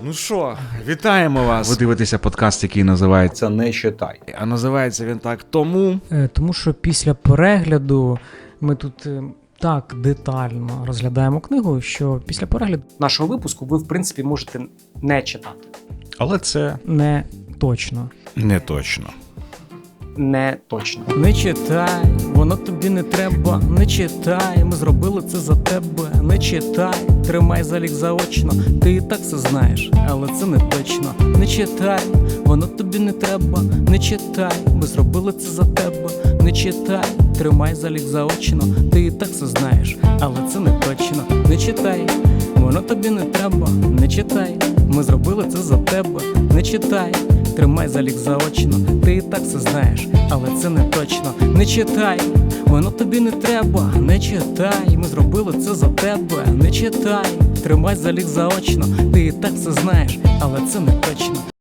Ну що, вітаємо вас. Ви дивитеся подкаст, який називається «Не читай». А називається він так Тому що після перегляду ми тут так детально розглядаємо книгу, що після перегляду нашого випуску ви, в принципі, можете не читати. Але це не точно. не точно. Не точно. Не читай, воно тобі не треба. Не читай, ми зробили це за тебе. Не читай, тримай залік заочно. Ти і так все знаєш, але це не точно. Не читай, воно тобі не треба. Не читай, ми зробили це за тебе. Не читай, тримай залік заочно. Ти і так все знаєш, але це не точно. Не читай, воно тобі не треба. Не читай, ми зробили це за тебе. Не читай, тримай залік заочно. Ти і так все знаєш, але це не точно. Не читай, воно тобі не треба. Не читай, ми зробили це за тебе. Не читай, тримай залік заочно. Ти і так все знаєш, але це не точно.